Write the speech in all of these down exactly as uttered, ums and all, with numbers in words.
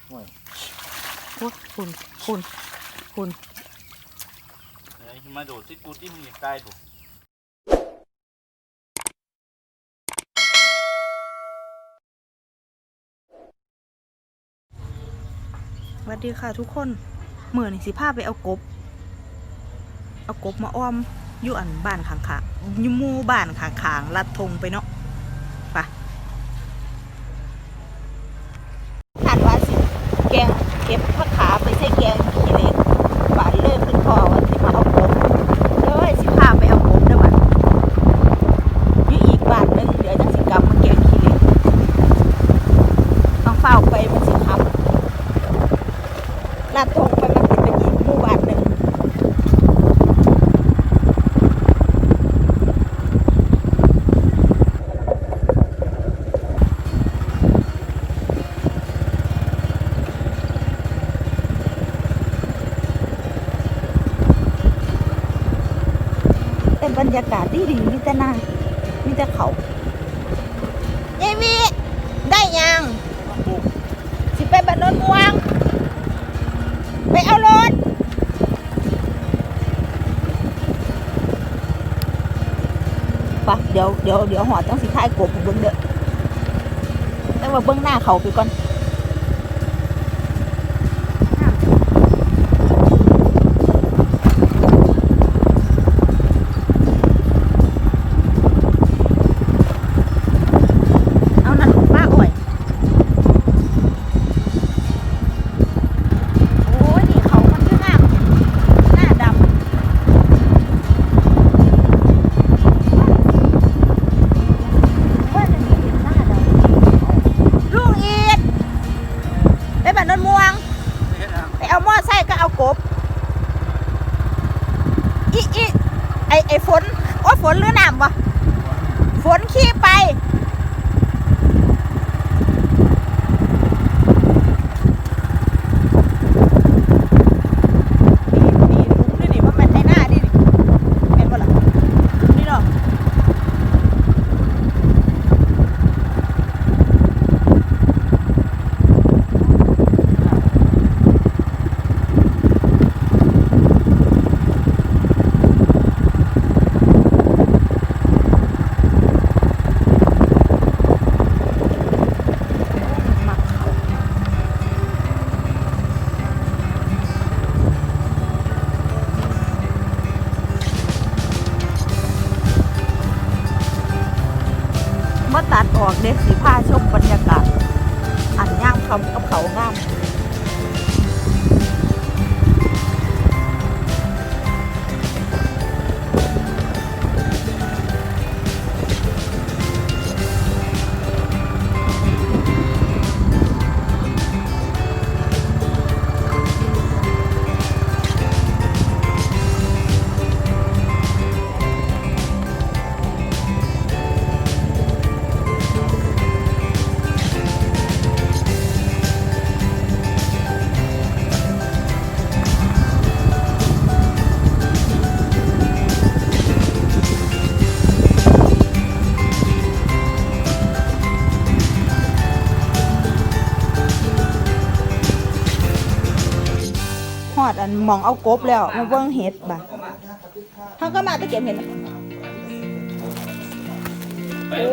โอ้ยโอ้คุณคุณคุณเฮ้ยมาโดดที่กูที่มึงอยากตายปุ๊สวัสดีค่ะทุกคนเมื่อนี่สิพาไปเอากบเอากบมาอ้อมอยู่อันบ้านข้างๆอยู่หมู่บ้านข้างๆลัดทงไปเนาะไปคาดว่าสิแกงเก็บผักขาไปใส่แกงขี้เหล็กบ้านเลยขึ้นพอว่าสิมาเอากบเลยสิพาไปเอากบเด้อบัดอยู่อีกบ้านนึงเดี๋ยวจะสิกลับมาแกงขี้เหล็กต้องเฝ้าไปมันสิครับลาดทงไปมันติดเป็นอีกหมู่บ้านหนึ่งแต่บรรยากาศดีดีมีแต่นามีแต่เขาเยวีได้ยังสิไปบ้านโนนม่วงไปเอารถปะเดี๋ยวเดี๋ยวเดี๋ยวหอดต้องสิท้ายกบเบิ้งเด้อแต่ว่าเบิ้งหน้าเขาไปก่อนเอานั่นป้าอ่อยไอ้ฝนโอ้ฝนหรือน้ำวะฝนขี้ไปนี่นี่ลุงนี่นี่ว่ามันไทยหน้าดิเห็นบ่ล่ะนี่เนาะมาตัดออกเด็กสีผ้าชมบรรยากาศอันย่างคำกับเขางามหอดอันมองเอากบแล้วมาเบิ่งเห็ดบ่ะเขาก็มาตะเก็บเห็ดโอ้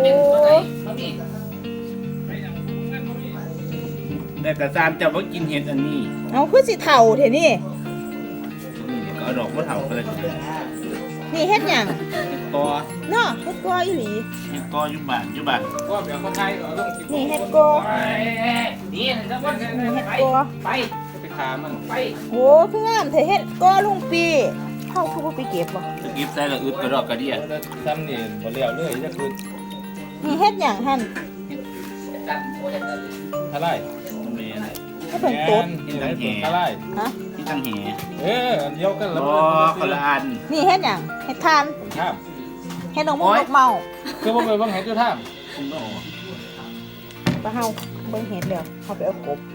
แต่กระซามจะว่ากินเห็ดอันนี้เอาคือสิเถ่าเถอะนี่ก็เอาดอกมะเถาไปเลยนี่เห็ดหยังกอเนาะเห็ดกออีหลีเห็ดกอยุบานยุบานก็แบบคนไทยเอาต้องกินนี่เห็ดกอนี่จะว่าเห็ดกอไปไปขามันไปโอ้คืองามเถอะเห็ดกอลุงปีเขาคือบ่ไปเก็บบ่จะเก็บใส่ละอึดกระดอกกระเดียทำนี่บ่เลี้ยวเลยจะคือนี่เฮ็ดหยังหั่นทะไลแม่นก็เป็นตุ๊ดกินทั้งแห่ทะไลฮะกินทั้งแห่เอออันเดียวกันแล้วบ่คนละอันนี่เฮ็ดหยังเฮ็ดทานผมถามเฮ็ดนกมูกเมาคือบ่ไปเบิ่งเฮ็ดอยู่ถามคุณบ่บ่เฮาเบิ่งเฮ็ดแล้วเฮาไปเอากบ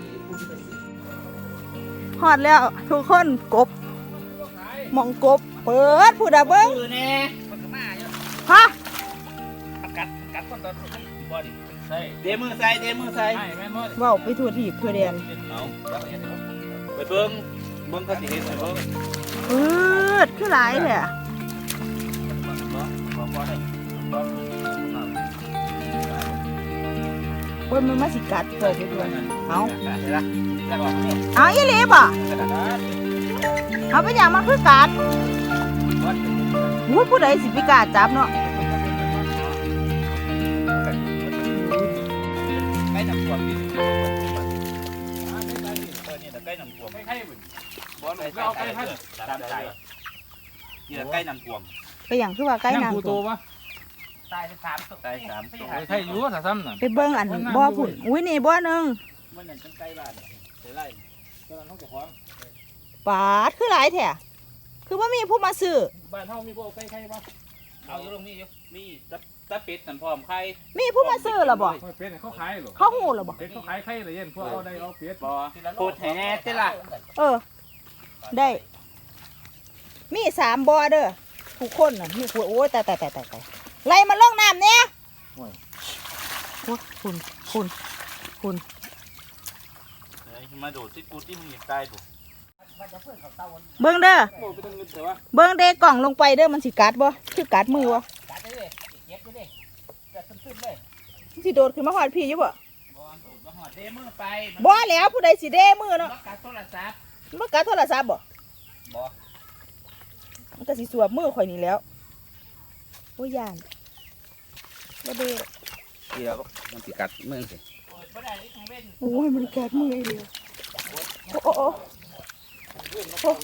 ฮอดแล้วทุกคนกบมองกบเปิดผู้ใดเบิ่งคือแน่มันก็มาอยู่ฮะกัดกัดคนตอนบ่ดิใส่เดมือใส่เดมือใส่ให้แม่นบ่เว้าไปทั่วทีบทั่วแดนเอาไปเบิ้งเบิ้งเขาสิเห็นไปเบิ้งปืดคือหลายแท้อะเพิ่นมันมาสิกัดเปิดไปด้วยเอาเห็นละแล้วก็นี่เอาอีหลีบ่เอาไปอย่างมันคือกัดอู้ผู้ใดสิไปกล้าจับเนาะใกล้น้ำท่วมนี่เออนี่ใกล้น้ำท่วมไข่บุญบอลไปเอาใกล้พันตามใจนี่ใกล้น้ำท่วมไปอย่างคือว่าใกล้นั่งน้ำผู้โตปะตายสามตายสามตัวไข่อยู่ถ้าซ้ำน่ะไปเบิ่งอันบ่อพุ่นอุ้ยนี่บ่อหนึงมันนั่นจังใกล้บ้านเสียไรตอนนั้นเขาจะฟ้องปาดคือหลายแท้คือว่ามีผู้มาซื้อบ้านเฮามีพวกไก่ไข่ปะเอาอยู่ตรงนี้อยู่มีตะตะเป็ดนั่นพร้อมไข่มีผู้มาซื้อหรอบ่เป็ดเขาขายหรอเขาหูหรอบ่เป็ดเขาขายไข่เลยเย็นพวกเอาได้เอาเป็ดบอโคตรแห่เจ้าล่ะเออ ได้ มีสามบ่อเด้อทุกคนน่ะมีผู้โอ้ยตายตายตายตายตายไล่มาลงน้ำเนี่ยโอ้ยคุณคุณคุณมาดูที่กูที่มึงอยากตายถูกเบิ่งเด้อโอ้ไปตั้งเงินแต่ว่าเบิ่งเด้กล่องลงไปเด้อมันสิกัดบ่คือกัดมือบ่กัดเลยเก็บเลยกัดขึ้นเลยมันสิโดดขึ้นมาหอดพี่อยู่บ่บอลถูกมาหอดเดมือไปบ่แล้วผู้ใดสิเด้มือเนาะกัดโทรศัพท์มันกัดโทรศัพท์บ่บอมันก็สิสวบมือข่อยนี่แล้วโอ้ยย่านบ่เด้เดี๋ยวมันติกัดมือสิโอ้ยมันกัดมือไอ้เดียวโอ้โอ้โอ้โอ้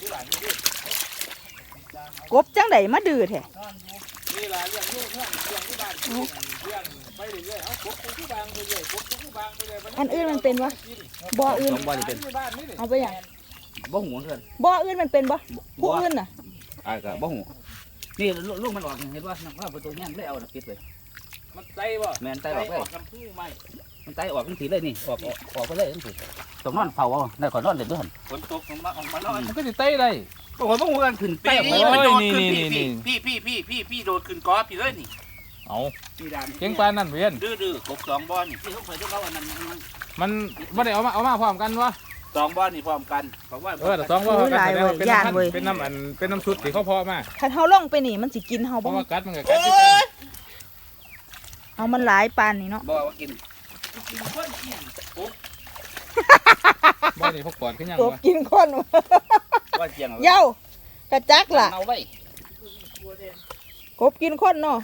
กบจังไดมาดื้อแท้นี่ล่ะเลี้ยงลูกเลี้ยงเลี้ยงที่บ้านเลี้ยงเลี้ยงไปเรื่อยๆเอากบผู้บางไปเรื่อยกบผู้บางไปเรื่อยอันอื่นมันเป็นวะบ่ออื่นสองบอลนี่เป็นบ้านนี่นี่เอาไปอย่างบ่หูเพื่อนบ่ออื่นมันเป็นบ่ผู้อื่นน่ะอ่าก็บ่หูนี่ลูกมันออกเห็นว่าน้ำประตูเนี่ยได้เอาปิดเลยมันใจบ่แมนไตออกเลยน้ำพึ่งไหมมันไตออกทั้งทีเลยนี่ออกออกไปเลยทั้งทีตรงนอนเผาเอาได้ขอนอนเลยด้วยฝนตกของมาออกมานอนมันก็จะไตได้โอ้โหบ่หูกันขึ้นไตออกมาโอ้ยโดดขึ้นนี่นี่พี่พี่พี่พี่พี่พี่โดดขึ้นกอพี่เลยนี่เอาพี่ดานเก่งปานนั่นเวียนดื้อดื้อกบสองบอลนี่ที่เขาเคยที่เขาอันนั้นมันไม่ได้เอามาเอามาพร้อมกันวะสองบอลนี่พร้อมกันเพราะว่าเออแต่สองว่ากันแสดงว่าเป็นน้ำพันธุ์เป็นน้ำอันเป็นน้ำชุดที่เขาเพาะมาคันเฮาลงไปนี่มันสิกินเฮาเพบ่ราะว่ากัดมันก็กัดโอ้ที่กันยเอามันหลายปานนี่เนาะบอกว่ากินกินคนกินกบบ้านนี้พวกปอดขึ้นยังกบวะกินคนว่าเจียงเย้ากระจักล่ะเอาไว้กบกินคนเนาะ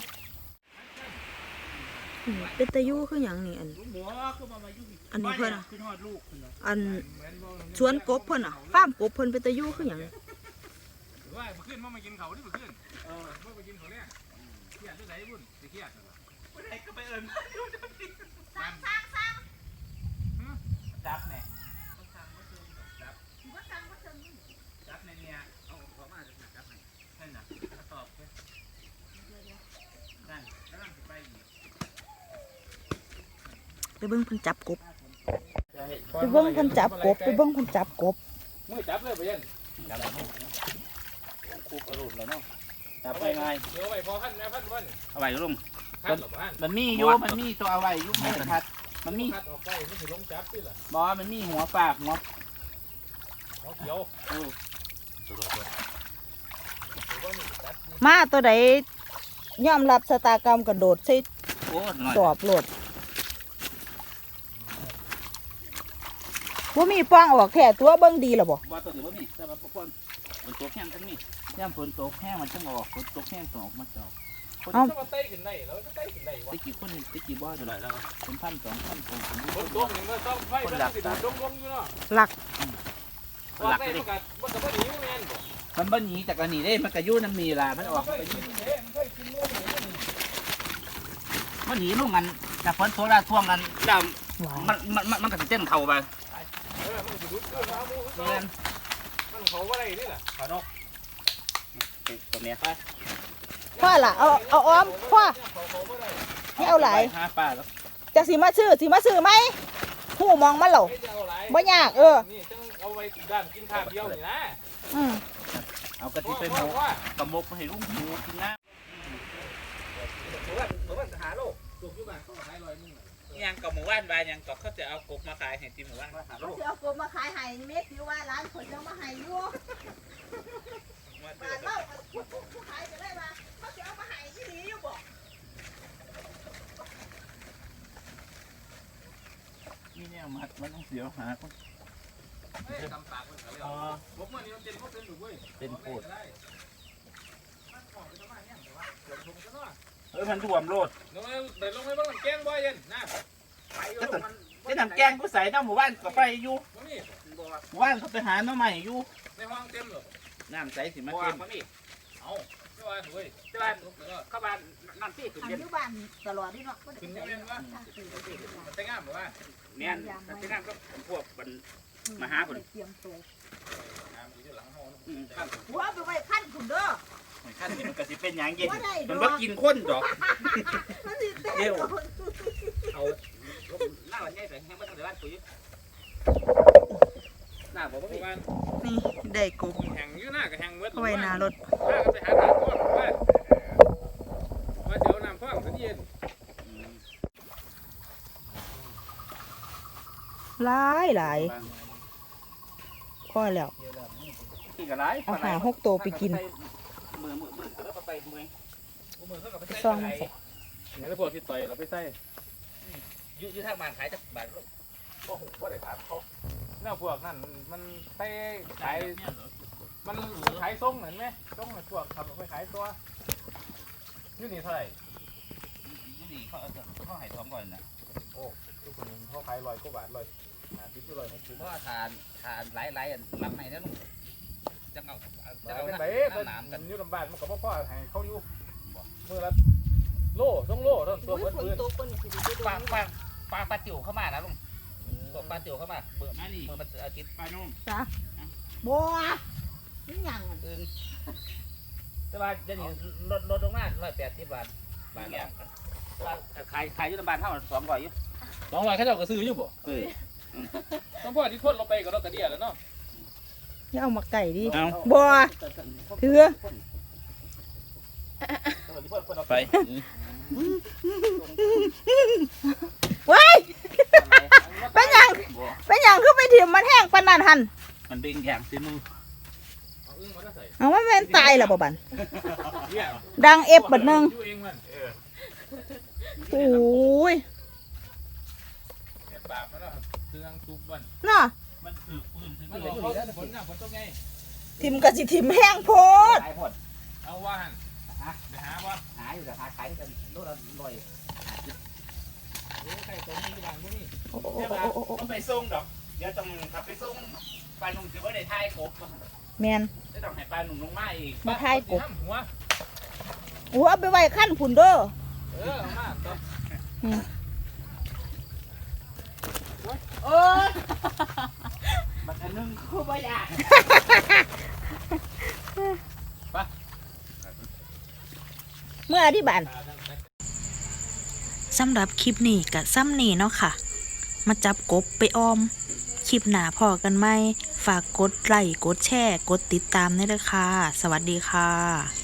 อืมเป็นตะยูคือหยังนี่อันหัวคือมามายุ่งอันนี้เพิ่นน่ะขึ้นฮอดลูกขึ้นเนาะอันสวนกบเพิ่นน่ะฟาร์มกบเพิ่นเป็นตะยูคือหยังว่ามาขึ้นมามากินเขาที่มาขึ้นเออมาไปกินเขาเนี่ยเครียดด้วยไหนบุญจะเครียดไปไหนก็ไปเอิญสร้างสร้างสร้างจับแน่จับจับในเนี่ยเอาขอมาจะจับไหนนั่นน่ะตอบเลยนั่นกำลังจะไปอีกไปเบิ่งเพิ่นจับกบไปเบิ่งเพิ่นจับกบไปเบิ่งเพิ่นจับกบมือจับเลยไปยันจับแล้วคูกระดูกแล้วเนาะจับไปไงเดี๋ยวไปพอพันแม่พันวันเอาไว้ลุงพันหรอพันมันมีอยู่มันมีตัวเอาไว้ยุคไม่ทัดมันมีพัดออกไปไม่ถึงลงจับด้วยล่ะบอมันมีหัวฝากหัวหัวเขียวมาตัวใดยอมรับชะตากรรมกระโดดใส่โอ้หน่อยสอบโลดว่ามีป้องออกแค่ตัวเบิ่งดีล่ะบ่บอตัวเดียวมีแต่ว่าพวกคนฝนตกแห้งทั้งนี้ย่ำฝนตกแห้งมันจะออกฝนตกแห้งต้องออกมาจอกถ้ามันไต่ขึ้นได้แล้วจะไต่ขึ้นได้วะตะกี้คนหนึ่งตะกี้บอจะไหนแล้วเป็นพันสองพันสองพันบนตัวหนึ่งก็ต้องไฟมันติดดงดงอยู่เนาะหลักหลักเลยมันกับมันกับหนีแมนมันบ้าหนีจากกันหนีได้มันกระยุ่น้ำมีลามันออกไปกินเด้มันเคยกินงูหนีมันหนีลูกกันจากฝนโซดาท่วงกันดหวานำมันมันมันมันกระเต้นเข่าไปเออมันจะดุดเกินมามูเงี้ยมันเขาว่าอะไรนี่แหละขอนกตัวเนี้ยพ่อล่ะเอาเอาอ้อมพ่อให้เอาหลายห้าป้าแล้วจะสิมาซื้อสิมาซื้อไหมหูมองมันเหรอบ่ยากเออนี่ต้องเอาไว้ด้านกินข้าวเดียวนี่นะอืมเอากระติไปหมกกระมกไปให้ลุงหมูกินนะผมว่าผมว่าหาโลกถูกยุบานเขาขายลอยนึงเยังกับหมู่บ้านบานยังก็เขาจะเอากบมาขายให้ที่หมู่บ้านมาหาเขาลูกจะเอากบมาขายให้เม็ดอยู่ว่าร้านคนยังมาให้อยู่มาบาทเล่าผู้ผู้ขายจะได้มาเขาจะเอามาให้ที่นี่อยู่บ่นี่เนี่ยมัดมันต้องเสียวหาคนเฮ้ยตำปากมันเขาเรียกผมว่านี่มันเป็นพวกเป็นหนูเว้ยเป็นโคตรมันของไปทำไมเนี่ยแต่ว่าเดี๋ยวผมจะนอนเอ้ยมันท่วมโลดลงไปเดี๋ยวลงไปบ้างแกงบ่อยเย็นนะไปอยู่มันไอ้น้ำแกงกูใส่น้ำหมู่บ้านก็ไปอยู่บ่มีบ่หมู่บ้านเขาไปหาน้ำใหม่อยู่ในห้องเต็มหรอน้ำใสสิมาบ่เต็มบ่มีเอาไม่ว่าเว้ยแต่ว่าเข้าบ้านน้ำที่ขึ้นอันเย็นอยู่บ้านตลอดนี่เนาะขึ้นเย็นวะมันแต่งงามบ่ว่าแม่นแต่ที่นั่นก็พวกมันมาหาผลเตรียมตัวงามอยู่หลังห้องอืมครับหัวไปไว้ขั้นคุณเด้อขั้นนี้มันก็สิเป็นอย่างเย็นบ่ได้ดอกมันว่ากินข้นดอกมันสิเต้นเดี๋ยว เอาหน้าวันนี้ใส่แห้งมาตั้งแต่บ้านปุ๋ยหน้าบอกว่าประมาณนี่ได้กบแห่งอยู่หน้ากับแห่งเมื่อเอาไว้หน้ารถหน้าก็ไปหาทางพ่อว่าว่าเดี๋ยวน้ำพ่อมันเย็นหลายหลายพอแล้วกินกับไรเอาหาหกตัวไปกินมือมือมือแล้วก็ไปมือมือเขากับไปซ่ใส่องมันใส่เนี่ยแล้วพวกที่ต่อยเราไปใส่ยืดยืดทางบ้านขายจากบ้านลูกโอ้โหว่าได้ถามเขาแนวพวกนั่นมันไปขายมันขายส่งเห็นไหมส่งในพวกขับไปขายตัวนี่นี่เท่าไหร่ยืดนี่เขาเขาให้ท้องก่อนนะโอ้ทุกคนเขาขายร้อยกว่าบาทร้อยหาทิพย์ร้อยหกสิบเพราะว่าทานทานหลายหลายลำไหนนะลูกจะเอาจะจะเอาเป็นน้ไงำน้ำกันอยู่ลำบากมันกับพ่อให้เขาอยู่มือละโล่ต้องโล่ต้องตัวอุ้ยเพื่อนฝนตกคนนี่สิได้ปลาปลาปลาปลาติ๋วเข้ามานะลุงตกปลาติ๋วเข้ามาเบื่อมานี่มันอาทิตย์ปลานุ่มจ้ะบัวนี่หยังอึงแต่ว่าจะนี่ลดลดลงมาร้อยแปดสิบบาทบาทแล้วขายขายอยู่ลำบากเท่าสองร้อยอยู่สองร้อยเขาเจ้าก็ซื้ออยู่บ่เออต้องพ่อที่ทนเราไปกับเรากระเดียแล้วเนาะอย่าเอามาไก่ดิเอาบัวถือไปไว้เป็นหยังเป็นหยังคือไปถิ่มมันแห้งปานนั้นหันมันเป็นแข็งสิมึงเอาอึ้งมาได้ใส่เอาว่าแม่นตายแล้วบ่บันเนี่ยดังเอฟบัดหนึงอยู่เองมันเออโอ้ยเนี่ยปากมันเนาะเครื่องซุปมันเนาะมันถือปืนถือมันปืหลนอกเขาฝนหน้าฝนตกไงถิ่มก็สิถิ่มแห้งโพดหลายคนเอาว่าหันไปหาว่าหาอยู่แต่หาขายกันโลละร้อยเฮ้ยใครตัวนี้บ้างพวกนี้โอ้โหเดี๋ยวมันไปส่งดอกเดี๋ยวต้องขับไปส่งปลาหนุ่มถือว่าได้ทายกบแมนได้ต้องให้ปลาหนุ่มลงมาอีกมาทายกบหัวโอ้เอาไปไว้ขั้นผุนเด้อเออเอามาต่อโอ้ยมันอันนึงคือบ่อยากเมื่อที่บ้านสำหรับคลิปนี้กับซ้ำนี่เนาะค่ะ มาจับกบไปออม คลิปหน้าพอกันไหม ฝากกดไลค์กดแชร์ กดติดตามด้วยนะคะ สวัสดีค่ะ